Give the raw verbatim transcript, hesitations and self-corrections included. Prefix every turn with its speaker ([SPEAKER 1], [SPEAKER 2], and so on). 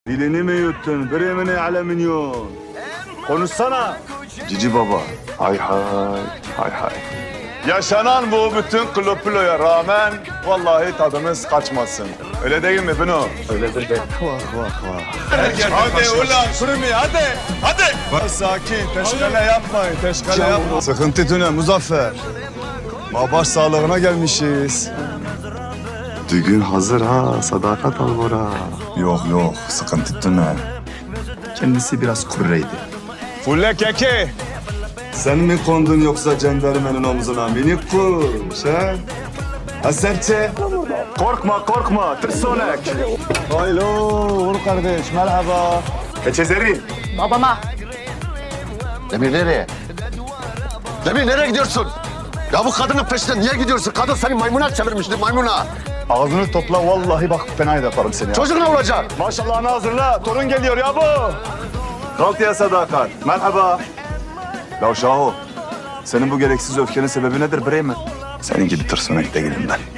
[SPEAKER 1] Dilini mi yuttun? Bremini ale minyon. Konuşsana. Cici baba. Hay hay. Hay hay. Yaşanan bu bütün klopiloya rağmen vallahi tadımız kaçmasın. Öyle değil mi Bino?
[SPEAKER 2] Öyledir be.
[SPEAKER 1] Vah vah vah. Hadi ulan Sürmi hadi. Hadi. Sakin. Teşkale yapmayın. Teşkale yapmayın. Sıkıntı tüne Muzaffer. Babaş sağlığına gelmişiz. Düğün hazır ha. Sadakat Albora. Yok yok. Sıkıntı tüne.
[SPEAKER 2] Kendisi biraz kurreydi.
[SPEAKER 1] Fulle keke. Sen mi kondun yoksa cendermenin omzuna minik kuş ha? Ha serçe? Korkma korkma tırsonek. Haylo Uğur kardeş merhaba. Keçezeri.
[SPEAKER 3] Babama.
[SPEAKER 4] Demir nereye? Demir nereye gidiyorsun? Ya bu kadının peşinden niye gidiyorsun? Kadın seni maymuna çevirmişti, maymuna.
[SPEAKER 1] Ağzını topla vallahi bak fena yaparım seni ya.
[SPEAKER 4] Çocuk ne olacak?
[SPEAKER 1] Maşallahını hazırla torun geliyor ya bu. Kaltıya sadakat merhaba. Ya Şaho senin bu gereksiz öfkenin sebebi nedir Bremen? Senin gibi tırsonek değilim ben.